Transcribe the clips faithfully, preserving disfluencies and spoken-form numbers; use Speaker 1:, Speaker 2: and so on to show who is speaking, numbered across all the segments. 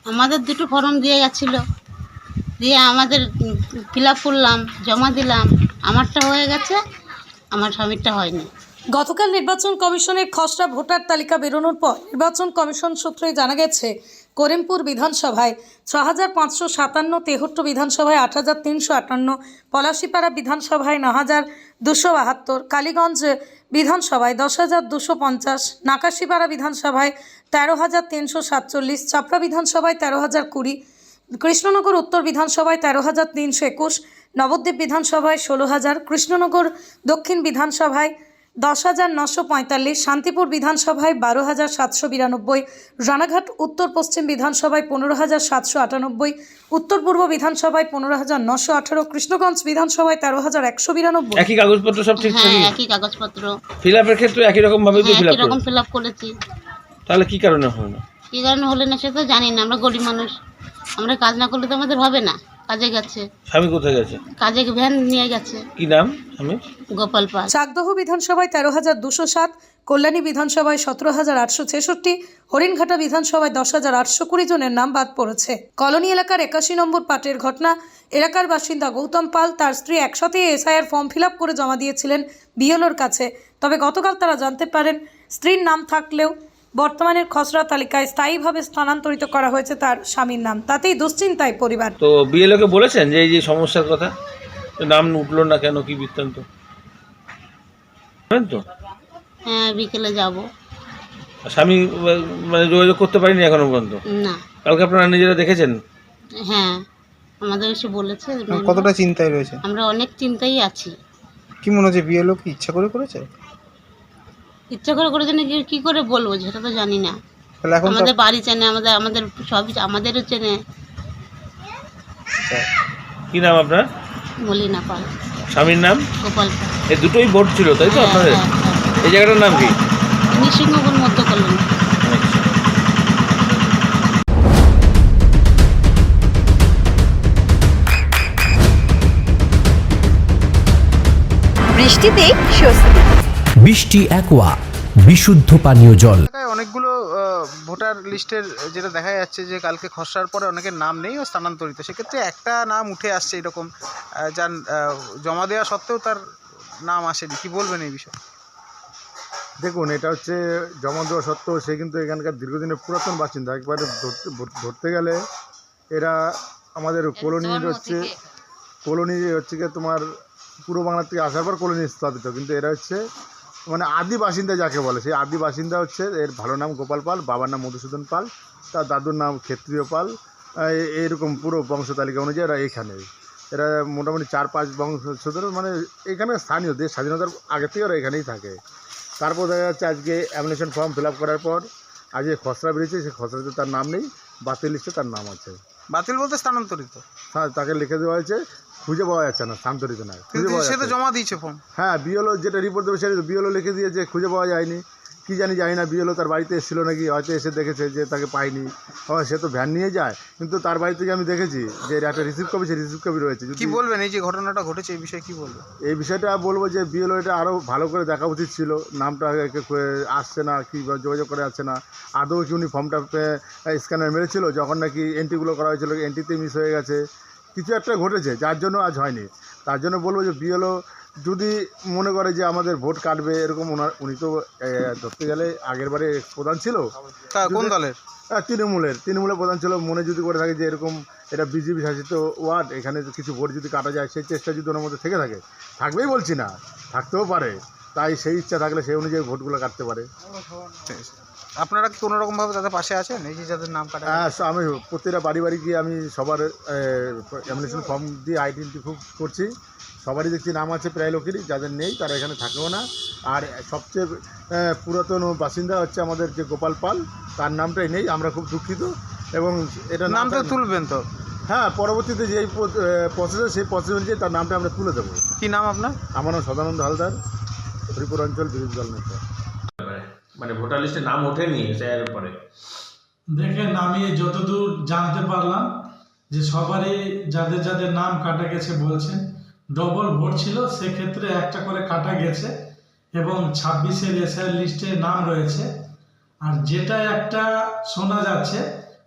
Speaker 1: আমাদের দুটো ফর্ম দিয়ে গেছিলো, দিয়ে আমাদের ফিল আপ করলাম, জমা দিলাম। আমারটা হয়ে গেছে, আমার স্বামীরটা হয়নি।
Speaker 2: গতকাল নির্বাচন কমিশনের খসড়া ভোটার তালিকা বেরোনোর পর নির্বাচন কমিশন সূত্রে জানা গেছে, করিমপুর বিধানসভায় ছ হাজার পাঁচশো সাতান্ন, তেহট্ট বিধানসভায় আট হাজার তিনশো আটান্ন, পলাশিপাড়া বিধানসভায় ন হাজার দুশো বাহাত্তর, কালীগঞ্জ বিধানসভায় দশ হাজার দুশো পঞ্চাশ, নাকাশিপাড়া বিধানসভায় তেরো হাজার তিনশো সাতচল্লিশ, চাপড়া বিধানসভায় তেরো হাজার কুড়ি, কৃষ্ণনগর উত্তর বিধানসভায় তেরো হাজার তিনশো একুশ, নবদ্বীপ বিধানসভায় ষোলো হাজার, কৃষ্ণনগর দক্ষিণ বিধানসভায় দশ হাজার নশো পঁয়তাল্লিশ, শান্তিপুর বিধানসভায় বারো হাজার সাতশো বিরানব্বই, রানাঘাট উত্তর পশ্চিম বিধানসভায় পনেরো হাজার সাতশো আটানব্বই, উত্তর পূর্ব বিধানসভায় পনেরো হাজার নশো আঠারো, কৃষ্ণগঞ্জ বিধানসভায় তেরো হাজার একশো বিরানব্বই।
Speaker 3: একই কাগজপত্র সব ঠিক
Speaker 1: হ্যাঁ,
Speaker 3: থাকে?
Speaker 1: একই কাগজপত্র।
Speaker 3: ফিল আপের ক্ষেত্রে একই রকম ভাবে তো
Speaker 1: হ্যাঁ,
Speaker 3: ফিল আপ
Speaker 1: একই রকম
Speaker 3: করেছে,
Speaker 1: ফিল আপ করেছি।
Speaker 3: তাহলে কি কারণে হলো না?
Speaker 1: কী কারণে হলে না সেটা জানি না, আমরা গরিব মানুষ, আমরা কাজ না করলে তো আমাদের হবে না। কাজে গেছে,
Speaker 3: স্বামী কোথায় গেছে?
Speaker 1: কাজে ভ্যান নিয়ে গেছে।
Speaker 3: কি নাম স্বামী?
Speaker 1: গোপাল পাল।
Speaker 2: চাকদহ বিধানসভায় তেরো হাজার দুশো সাত, কল্যাণী বিধানসভায় সতেরো হাজার আটশো ছেষট্টি, হরিণঘাটা বিধানসভায় দশ হাজার আটশো কুড়ি জনের নাম বাদ পড়েছে। কলোনি এলাকার একাশি নম্বর পাটের ঘটনা, এলাকার বাসিন্দা গৌতম পাল তার স্ত্রী একসাথে এসআইআর ফর্ম ফিল আপ করে জমা দিয়েছিলেন বিএলওর কাছে। তবে গতকাল তারা জানতে পারেন স্ত্রীর নাম থাকলেও বর্তমানের খসড়া তালিকায় স্থায়ীভাবে স্থানান্তরিত করা হয়েছে তার স্বামীর নাম। তাতেই দুশ্চিন্তায় পরিবার।
Speaker 3: তো বিএলওকে বলেছেন যে এই যে সমস্যার কথা, নাম উঠলো না কেন, কি বৃত্তান্ত? তো
Speaker 1: হ্যাঁ, বিকেলে যাব।
Speaker 3: স্বামী মানে যোগাযোগ করতে পারিনি এখনো পর্যন্ত?
Speaker 1: না।
Speaker 3: কালকে আপনারা নিজেরা দেখেছেন?
Speaker 1: হ্যাঁ, আমাদের এসে বলেছে।
Speaker 4: কতটা চিন্তায় রয়েছে?
Speaker 1: আমরা অনেক চিন্তায় আছি।
Speaker 4: কি মনে হচ্ছে বিএলও কি ইচ্ছা করে করেছে?
Speaker 1: ইচ্ছা করে করেছে নাকি কি করে বলবো সেটা তো জানি না।
Speaker 4: তাহলে এখন
Speaker 1: আমাদের বাড়ি চেনে, আমাদের আমাদের সবই আমাদেরও চেনে।
Speaker 3: কি নাম আপনার?
Speaker 1: মলিনা পাল।
Speaker 3: স্বামীর নাম?
Speaker 1: গোপাল পাল।
Speaker 3: এই দুটোই ভোট ছিল তাই তো
Speaker 1: হ্যাঁ,
Speaker 3: আপনাদের?
Speaker 1: হ্যাঁ, হ্যাঁ।
Speaker 3: এই জায়গাটার নাম কি?
Speaker 1: নৃসিংহপুর মধ্য কলোনি।
Speaker 5: বৃষ্টিতে স্বস্তি।
Speaker 6: বৃষ্টি অ্যাকোয়া বিশুদ্ধ পানীয় জল।
Speaker 4: অনেকগুলো ভোটার লিস্টের যেটা দেখা যাচ্ছে যে কালকে খসড়ার পরে অনেকের নাম নেই ও স্থানান্তরিত, সেক্ষেত্রে একটা নাম উঠে আসছে এরকম, যার জমা দেওয়া সত্ত্বেও তার নাম আসেনি, কি বলবেন এই বিষয়ে?
Speaker 7: দেখুন, এটা হচ্ছে জমা দেওয়া সত্ত্বেও সে কিন্তু এখানকার দীর্ঘদিনের পুরাতন বাসিন্দা। একবারে ধরতে ধরতে গেলে এরা আমাদের কলোনির হচ্ছে কলোনি হচ্ছে গিয়ে তোমার পূর্ব বাংলার থেকে আসার পর কলোনি স্থাপিত, কিন্তু এরা হচ্ছে মানে আদি বাসিন্দা যাকে বলে, সেই আদি বাসিন্দা হচ্ছে এর ভালো নাম গোপাল পাল, বাবার নাম মধুসূদন পাল, তার দাদুর নাম ক্ষেত্রীয় পাল। এইরকম পুরো বংশ তালিকা অনুযায়ী এরা এখানে, এরা মোটামুটি চার পাঁচ বংশধর, মানে এখানে স্থানীয়, দেশ স্বাধীনতার আগে থেকে ওরা এখানেই থাকে। তারপর দেখা যাচ্ছে আজকে অ্যাপ্লিকেশন ফর্ম ফিল আপ করার পর আজকে খসড়া বেরিয়েছে, সেই খসড়াতে তার নাম নেই, বাতিল লিস্টে তার নাম আছে।
Speaker 4: বাতিল বলতে স্থানান্তরিত?
Speaker 7: হ্যাঁ, তাকে লিখে দেওয়া হয়েছে, খুঁজে পাওয়া যাচ্ছে না, স্থানান্তরিত নয়, খুঁজে পাওয়া
Speaker 4: সে তো
Speaker 7: যাচ্ছে।
Speaker 4: জমা দিয়েছে ফর্ম।
Speaker 7: হ্যাঁ, বিএলও যেটা রিপোর্ট দেবে সেটা বিএলও লিখে দিয়েছে, খুঁজে পাওয়া যায়নি, কী জানি জানি না। বিএলও তার বাড়িতে এসেছিলো নাকি, হয়তো এসে দেখেছে যে তাকে পাইনি। হ্যাঁ, সে তো ভ্যান নিয়ে যায়, কিন্তু তার বাড়ি থেকে আমি দেখেছি যে এর একটা রিসিভ কপি, সে রিসিভ কপি রয়েছে।
Speaker 4: কি বলবেন এই যে ঘটনাটা ঘটেছে এই বিষয়ে কি বলবেন?
Speaker 7: এই বিষয়টা বলবো যে বিএলও এটা আরও ভালো করে দেখা উচিত ছিল, নামটা আসছে না, কি যোগাযোগ করে আসছে না, আদৌ কি উনি ফর্মটা স্ক্যানার মেরেছিল, যখন নাকি এন্ট্রিগুলো করা হয়েছিল এন্ট্রিতে মিস হয়ে গেছে, কিছু একটা ঘটেছে যার জন্য আজ হয়নি। তার জন্য বলবো যে বিএলও যদি মনে করে যে আমাদের ভোট কাটবে এরকম, ওনার উনি তো ধরতে গেলে আগের বারে প্রধান ছিল।
Speaker 4: কোন দলের?
Speaker 7: তৃণমূলের তৃণমূলের প্রধান ছিল। মনে যদি করে থাকে যে এরকম এটা বিজেপি শাসিত ওয়ার্ড, এখানে কিছু ভোট যদি কাটা যায়, সেই চেষ্টা যদি ওনার মধ্যে থেকে থাকে, থাকবেই বলছি না, থাকতেও পারে, তাই সেই ইচ্ছা থাকলে সেই অনুযায়ী ভোটগুলো কাটতে পারে।
Speaker 4: আপনারা কি কোনো রকমভাবে তাদের পাশে আছেন এই যে যাদের নাম কাটা?
Speaker 7: হ্যাঁ, আমি প্রত্যেকটা বাড়ি বাড়ি গিয়ে আমি সবার অ্যাপ্লিকেশন ফর্ম দিয়ে আইডেন্টিফাই করছি, সবারই দেখছি নাম আছে, প্রায় লোকেরই, যাদের নেই তারা এখানে থাকেও না। আর সবচেয়ে পুরাতন বাসিন্দা হচ্ছে আমাদের যে গোপাল পাল, তার নামটাই নেই, আমরা খুব দুঃখিত। এবং এটা
Speaker 4: নামটা তুলবেন তো?
Speaker 7: হ্যাঁ, পরবর্তীতে যেই প্রসেস, সেই প্রসেস অনুযায়ী তার নামটা আমরা তুলে দেবো।
Speaker 4: কী নাম আপনার? আমার
Speaker 7: নাম সদানন্দ হালদার, হরিপুর অঞ্চল বিরোধী দল নেতা।
Speaker 3: মানে ভোটার লিস্টে নাম ওঠেনি এর পরে?
Speaker 8: দেখেন, আমি যতদূর জানতে পারলাম যে সবারই যাদের যাদের নাম কাটা গেছে বলছেন ডবল ভোট ছিল, সেক্ষেত্রে একটা করে কাটা গেছে এবং ছাব্বিশের এসআই লিস্টে নাম রয়েছে। আর যেটা একটা শোনা যাচ্ছে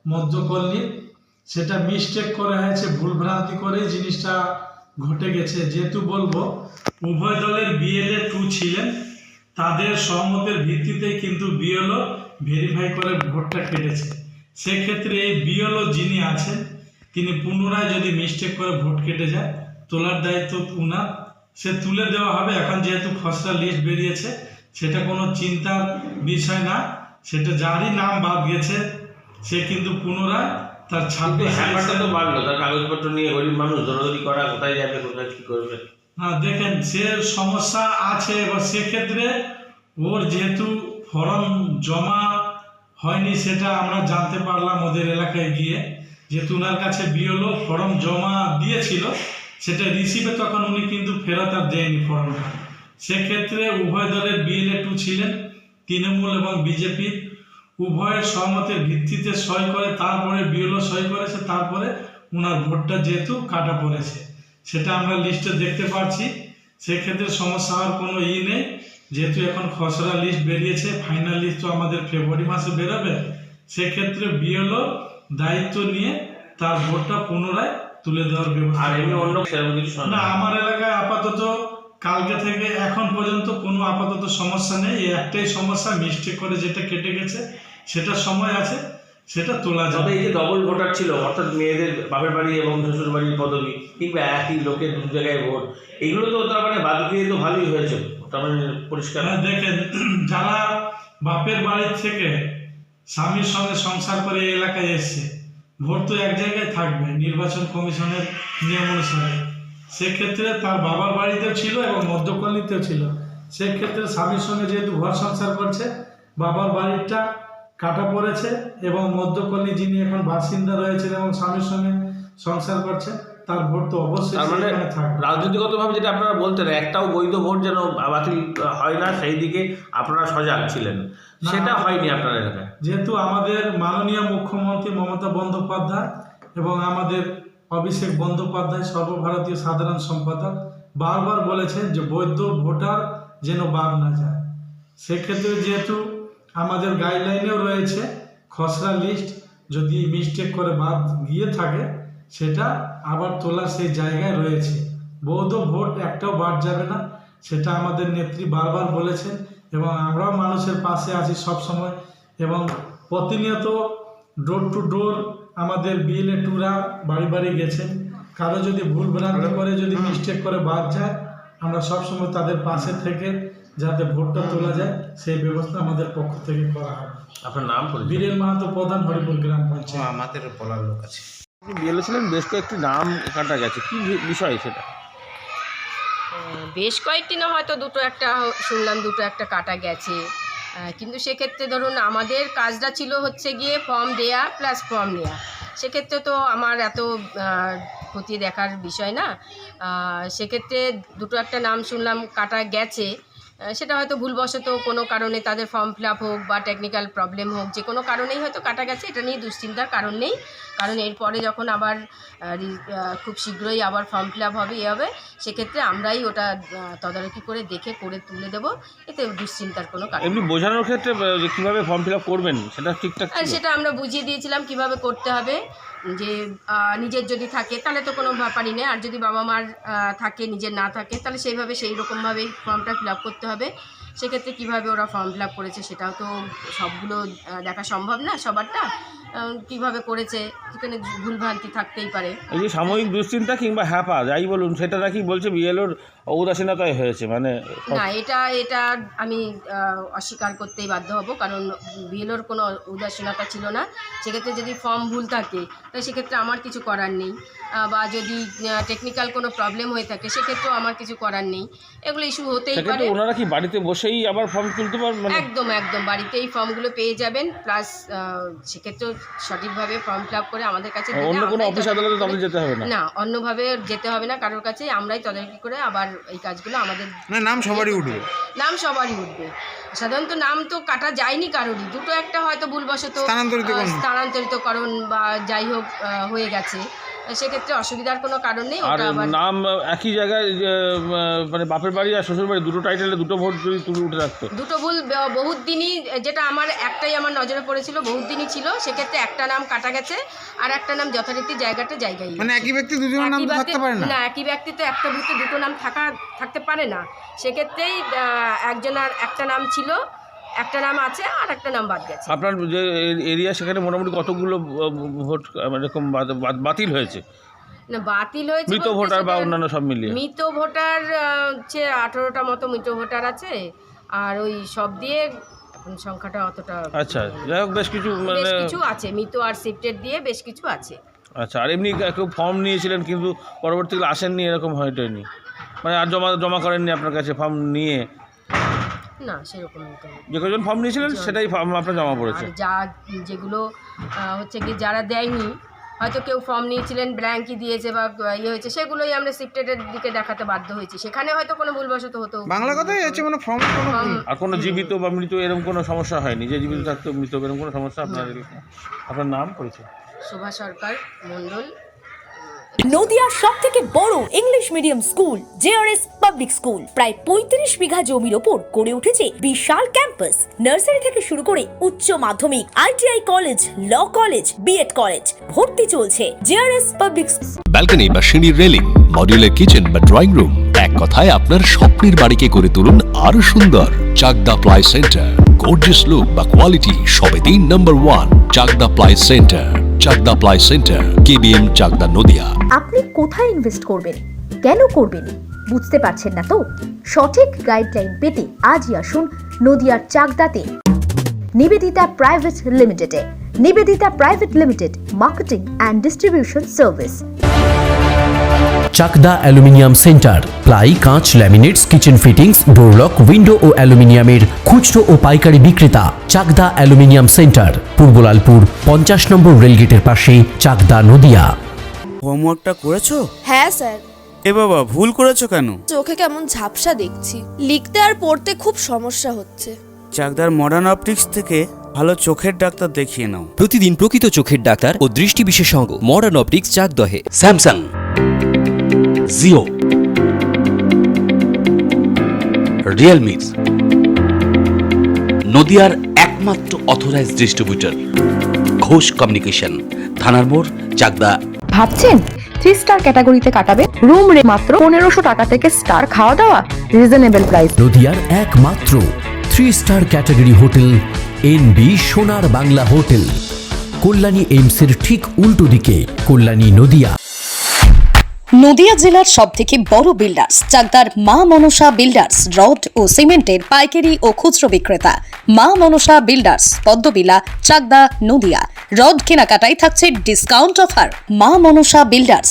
Speaker 8: মধ্যকল্লির, সেটা মিস্টেক করা হয়েছে, ভুলভ্রান্তি করে জিনিসটা ঘটে গেছে। যেহেতু বলবো উভয় দলের বিএলএ টু ছিলেন, তাদের সহমতের ভিত্তিতেই কিন্তু বিএলও ভেরিফাই করে ভোটটা কেটেছে। সেক্ষেত্রে এই বিএলও যিনি আছেন তিনি পুনরায় যদি মিস্টেক করে ভোট কেটে যায়, তোলার দায়িত্ব উনার, সে তুলে দেওয়া হবে। এখন যেহেতু খসড়া লিস্ট বেরিয়েছে, সেটা কোনো চিন্তার বিষয় না, সেটা যারই নাম বাদ গেছে সে কিন্তু পুনরায় তার ছাব্বিশ
Speaker 3: হ্যাপারটা তো বাড়লো, তার কাগজপত্র নিয়ে গরিব মানুষ দৌড়াদৌড়ি করা, কোথায় যাবে কোথায় কী করবে।
Speaker 8: হ্যাঁ দেখেন, সে সমস্যা আছে। এবার সেক্ষেত্রে ওর যেহেতু ফর্ম জমা হয়নি, সেটা আমরা জানতে পারলাম ওদের এলাকায় গিয়ে, যেহেতু ওনার কাছে বিএলও ফর্ম জমা দিয়েছিল, সেটা রিসিভে তখন উনি কিন্তু ফেরত আর দেয়নি ফর্মটা। সেক্ষেত্রে উভয় দলের বিএলএ টু ছিলেন, তৃণমূল এবং বিজেপি উভয়ের সহমতের ভিত্তিতে সই করে, তারপরে বিএলও সই করেছে, তারপরে ওনার ভোটটা যেহেতু কাটা পড়েছে, সেটা আমরা লিস্টে দেখতে পাচ্ছি। সেক্ষেত্রে সমস্যা হওয়ার কোনো ই নেই, যেহেতু এখন খসড়া লিস্ট বেরিয়েছে, ফাইনাল লিস্ট তো আমাদের ফেব্রুয়ারি মাসে বেরোবে। সেক্ষেত্রে বিএলও দায়িত্ব নিয়ে তার ভোটটা পুনরায় তুলে দেওয়ার ব্যবস্থা।
Speaker 3: আর এমনি অন্য সেরকম কিছু শোনা
Speaker 8: না, আমার এলাকায় আপাতত কালকে থেকে এখন পর্যন্ত কোনো আপাতত সমস্যা নেই। এই একটাই সমস্যা, মিস্টেক করে যেটা কেটে গেছে, সেটা সময় আছে, সেটা তোলা
Speaker 3: তবে
Speaker 8: যাবে।
Speaker 3: এই যে ডবল ভোটার ছিল, অর্থাৎ মেয়েদের বাপের বাড়ি এবং শ্বশুর বাড়ির পদবি কিংবা একই লোকের দু জায়গায় ভোট, এগুলো তো তার মানে বাদ দিয়ে তো ভালোই হয়েছে, তার মানে পরিষ্কার।
Speaker 8: হ্যাঁ দেখেন, যারা বাপের বাড়ির থেকে স্বামীর সঙ্গে সংসার করে এই এলাকায় এসছে, ভোট তো এক জায়গায় থাকবে নির্বাচন কমিশনের নিয়ম অনুসারে। সেক্ষেত্রে তার বাবার বাড়িতেও ছিল এবং মধ্যকল্লিতেও ছিল। সেক্ষেত্রে স্বামীর সঙ্গে যেহেতু ঘর সংসার করছে, বাবার বাড়িটা কাটা পড়েছে এবং মধ্যকল্লি যিনি এখন বাসিন্দা রয়েছেন এবং স্বামীর সঙ্গে সংসার করছে, তার ভোট তো অবশ্যই
Speaker 3: তার মানে
Speaker 8: সেখানে থাকবে।
Speaker 3: রাজনীতিগতভাবে যেটা আপনারা বলতেন, একটাও বৈধ ভোট যেন বাতিল হয় না, সেই দিকে আপনারা সজাগ ছিলেন, সেটা হয়নি আপনার এলাকায়।
Speaker 8: যেহেতু আমাদের মাননীয় মুখ্যমন্ত্রী মমতা বন্দ্যোপাধ্যায় এবং আমাদের অভিষেক বন্দ্যোপাধ্যায় সর্বভারতীয় সাধারণ সম্পাদক বারবার বলেছেন যে বৈধ ভোটার যেন বাদ না যায়। সেক্ষেত্রে যেহেতু আমাদের গাইডলাইনেও রয়েছে খসড়া লিস্ট যদি মিস্টেক করে বাদ গিয়ে থাকে, সেটা আবার তোলার সেই জায়গায় রয়েছে। বৈধ ভোট একটাও বাদ যাবে না, সেটা আমাদের নেত্রী বারবার বলেছেন এবং আমরাও মানুষের পাশে আছি সব সময়। এবং প্রতিনিয়ত ডোর টু ডোর আমাদের বিএলএ টুরা বাড়ি বাড়ি গেছেন। কারো যদি ভুল ভ্রান্তি করে, যদি মিস্টেক করে বাদ যায়, আমরা সবসময় তাদের পাশে থেকে যাতে ভোটটা তোলা যায় সেই ব্যবস্থা আমাদের পক্ষ থেকে করা হবে।
Speaker 3: আপনার নাম পরিচয়?
Speaker 8: বীরেন মাহাতো, প্রধান, হরিপুর গ্রাম পঞ্চায়েত।
Speaker 4: আমাদের বলার লোক আছে।
Speaker 3: বিএলও ছিলেন, বেশ কয়েকটি নাম কাটা গেছে, কি বিষয় সেটা?
Speaker 5: বেশ কয়েকটি না, হয়তো দুটো একটা শুনলাম, দুটো একটা কাটা গেছে। কিন্তু সেক্ষেত্রে ধরুন আমাদের কাজটা ছিল হচ্ছে গিয়ে ফর্ম দেয়া প্লাস ফর্ম নেওয়া। সেক্ষেত্রে তো আমার এত ক্ষতি দেখার বিষয় না। সেক্ষেত্রে দুটো একটা নাম শুনলাম কাটা গেছে, সেটা হয়তো ভুলবশত কোনো কারণে তাদের ফর্ম ফিল আপ হোক বা টেকনিক্যাল প্রবলেম হোক, যে কোনো কারণেই হয়তো কাটা গেছে, এটা নিয়ে দুশ্চিন্তার কারণ নেই। কারণ এরপরে যখন আবার খুব শীঘ্রই আবার ফর্ম ফিল আপ হবে, এ হবে, সেক্ষেত্রে আমরাই ওটা তদারকি করে দেখে করে তুলে দেবো, এতে দুশ্চিন্তার কোনো কারণ।
Speaker 3: এমনি বোঝানোর ক্ষেত্রে যে কীভাবে ফর্ম ফিল আপ করবেন সেটা ঠিকঠাক ছিল?
Speaker 5: সেটা আমরা বুঝিয়ে দিয়েছিলাম কিভাবে করতে হবে, যে নিজের যদি থাকে তাহলে তো কোনো ব্যাপারই নেই, আর যদি বাবা মার থাকে, নিজের না থাকে, তাহলে সেইভাবে সেই রকমভাবেই ফর্মটা ফিল আপ করতে হবে। সেক্ষেত্রে কীভাবে ওরা ফর্ম ফিল আপ করেছে সেটাও তো সবগুলো দেখা সম্ভব না, সবারটা কীভাবে করেছে, সেখানে ভুলভ্রান্তি থাকতেই পারে।
Speaker 3: এই যে সাময়িক দুশ্চিন্তা কিংবা হ্যাপা যাই বলুন, সেটা নাকি বলছে বিএলওর ঔদাসীনতায় হয়েছে, মানে
Speaker 5: না, এটা এটা আমি অস্বীকার করতেই বাধ্য হব, কারণ বিএলওর কোনো উদাসীনতা ছিল না। সেক্ষেত্রে যদি ফর্ম ভুল থাকে তাহলে সেক্ষেত্রে আমার কিছু করার নেই, বা যদি টেকনিক্যাল কোনো প্রবলেম হয়ে থাকে সেক্ষেত্রেও আমার কিছু করার নেই, এগুলো ইস্যু হতেই পারে।
Speaker 3: ওনারা কি বাড়িতে বসেই আবার ফর্ম তুলতে পারবেন?
Speaker 5: একদম একদম বাড়িতেই ফর্মগুলো পেয়ে যাবেন, প্লাস সেক্ষেত্রেও সঠিকভাবে ফর্ম ফিল আপ করে আমাদের কাছে
Speaker 3: অন্য কোনো অফিস আদালতে তাদের যেতে হবে না?
Speaker 5: না, অন্যভাবে যেতে হবে না কারোর কাছে, আমরাই তদারকি করে আবার এই কাজগুলো আমাদের
Speaker 4: নাম সবারই উঠবে,
Speaker 5: নাম সবারই উঠবে। সাধারণত নাম তো কাটা যায়নি কারোরই, দুটো একটা হয়তো ভুলবশত স্থানান্তরিতকরণ বা যাই হোক হয়ে গেছে, সেক্ষেত্রে অসুবিধার কোনো কারণ নেই।
Speaker 3: আর
Speaker 5: ওটা আবার
Speaker 3: নাম একই জায়গায় যে, আহ, মানে বাপের বাড়ি আর শ্বশুর বাড়ি দুটো টাইটেলে দুটো ভোট যদি তুলে উঠে রাখতো।
Speaker 5: দুটো ভুল ব- বহুত দিনই, যেটা আমার একটাই আমার নজরে পড়েছিল, বহুত দিনই ছিল, সেক্ষেত্রে একটা নাম কাটা গেছে আর একটা নাম যথারীতি জায়গাটা জায়গায়
Speaker 4: মানে একই ব্যক্তি দুজনের নাম
Speaker 5: একই
Speaker 4: তো
Speaker 5: ব্যক্তি-
Speaker 4: থাকতে পারে না।
Speaker 5: না, একই ব্যক্তি তো একটা বুথে দুটো নাম থাকা থাকতে পারে না। সেক্ষেত্রেই আহ, একজনের একটা নাম ছিল, একটা নাম আছে আর একটা নাম বাদ গেছে।
Speaker 3: আপনার যে এরিয়া সেখানে মোটামুটি কতগুলো আহ, ভোট আহ, এরকম বাদ- বাদ- বাতিল হয়েছে,
Speaker 5: না, বাতিল হয়েছে
Speaker 3: মৃত
Speaker 5: বলতে
Speaker 3: ভোটার বা
Speaker 5: সেটা-
Speaker 3: অন্যান্য সব মিলিয়ে?
Speaker 5: মৃত ভোটার আহ, হচ্ছে আঠারোটা মতো মৃত ভোটার আছে, আর ওই সব দিয়ে এখন সংখ্যাটা অতটা।
Speaker 3: আচ্ছা, যাই হোক বেশ কিছু
Speaker 5: বেশ
Speaker 3: মানে
Speaker 5: কিছু আছে, মৃত আর শিফটেড দিয়ে বেশ কিছু আছে।
Speaker 3: আচ্ছা, আর এমনি কেউ ফর্ম নিয়েছিলেন কিন্তু পরবর্তীকালে আসেননি এরকম হয়নি, মানে আর জমা জমা করেননি আপনার কাছে ফর্ম নিয়ে?
Speaker 5: না, সেরকম তো।
Speaker 3: যে কজন ফর্ম নিয়েছিলেন সেটাই ফর্ম আপনার জমা পড়েছে?
Speaker 5: আর যা যেগুলো আহ, হচ্ছে কি যারা দেয়নি, হয়তো কেউ ফর্ম নিয়েছিলেন ব্ল্যাঙ্কই দিয়েছে বা ইয়ে হয়েছে, সেগুলোই আমরা শিফটেডের দিকে দেখাতে বাধ্য হয়েছি। সেখানে হয়তো কোনো ভুলবশত হতো।
Speaker 4: বাংলা কথাই আছে, মানে ফর্ম কোনো ভুল।
Speaker 3: আর কোনো জীবিত বা মৃত এরকম কোনো সমস্যা হয়নি, যে জীবিত থাকতো মৃত এরকম কোনো সমস্যা আপনার এলাকায়? আপনার নাম পরিচয়?
Speaker 5: শোভা সরকার মণ্ডল।
Speaker 9: নদিয়ার সব থেকে বড় English medium school JRS public school প্রায় পঁয়ত্রিশ বিঘা জমির ওপর গড়ে উঠেছে বিশাল ক্যাম্পাস। নার্সারি থেকে শুরু করে উচ্চ মাধ্যমিক, ITI college, law college, BEd college, ভর্তি চলছে জেআরএস পাবলিক।
Speaker 6: ব্যালকনি বা সিঁড়ির রেলিং, মডিউলার কিচেন বা ড্রয়িং রুম, এক কথায় আপনার স্বপ্নের বাড়িকে করে তুলুন আরো সুন্দর। Chakdah ply centre, gorgeous look বা কোয়ালিটি সবে তিন number one. Chakdah ply centre, Chakdah ply centre, KBM, Chakdah, Nadia.
Speaker 9: আপনি কোথায় ইনভেস্ট করবেন, কেন করবেন, বুঝতে পারছেন না তো? সঠিক গাইডলাইন পেতে আজই আসুন নদিয়ার চাকদাতে নিবেদিতা প্রাইভেট লিমিটেডে। Nivedita private limited, marketing and distribution service.
Speaker 6: Chakdah aluminium centre, ply, কাঁচ, laminates, kitchen fittings, door lock, window ও অ্যালুমিনিয়ামের খুচরো ও পাইকারি বিক্রেতা। চাকদা অ্যালুমিনিয়াম সেন্টার, পূর্বলালপুর পঞ্চাশ নম্বর রেলগেটের পাশে, চাকদা, নদিয়া।
Speaker 10: হোমওয়ার্কটা করেছো?
Speaker 11: হ্যাঁ স্যার।
Speaker 10: এ বাবা, ভুল করেছো কেন?
Speaker 11: চোখে কেমন ঝাপসা দেখছি, লিখতে আর পড়তে খুব সমস্যা হচ্ছে।
Speaker 10: চাকদার মডার্ন অপটিক্স থেকে ভালো চোখের ডাক্তার দেখিয়ে নাও।
Speaker 6: প্রতিদিন প্রকৃত চোখের ডাক্তার ও দৃষ্টি বিশেষজ্ঞ মডার্ন অপটিক্স, চাকদহে।
Speaker 12: স্যামসাং, জিও, রিয়েলমি, নদিয়ার একমাত্র অথরাইজড ডিস্ট্রিবিউটর ঘোষ কমিউনিকেশন, থানার মোড়, চাকদা।
Speaker 9: ভাবছেন থ্রি স্টার ক্যাটাগরিতে কাটাবে? রুম রে মাত্র পনেরোশো টাকা থেকে স্টার, খাওয়া দাওয়া রিজনেবল প্রাইস।
Speaker 6: নদিয়ার একমাত্র three star category hotel NB Sonar Bangla hotel, Kalyani এইমসের ঠিক উল্টো দিকে, কল্যাণী, নদিয়া।
Speaker 2: নদিয়া জেলার সব থেকে বড় বিল্ডার্স চাকদার মা মনসা বিল্ডার্স, রড ও সিমেন্টের পাইকারি ও খুচরো বিক্রেতা। মা মনসা বিল্ডার্স, পদ্মবিলা, চাকদা, নদিয়া। রড কেনাকাটায় থাকছে ডিসকাউন্ট অফার। মা মনসা বিল্ডার্স,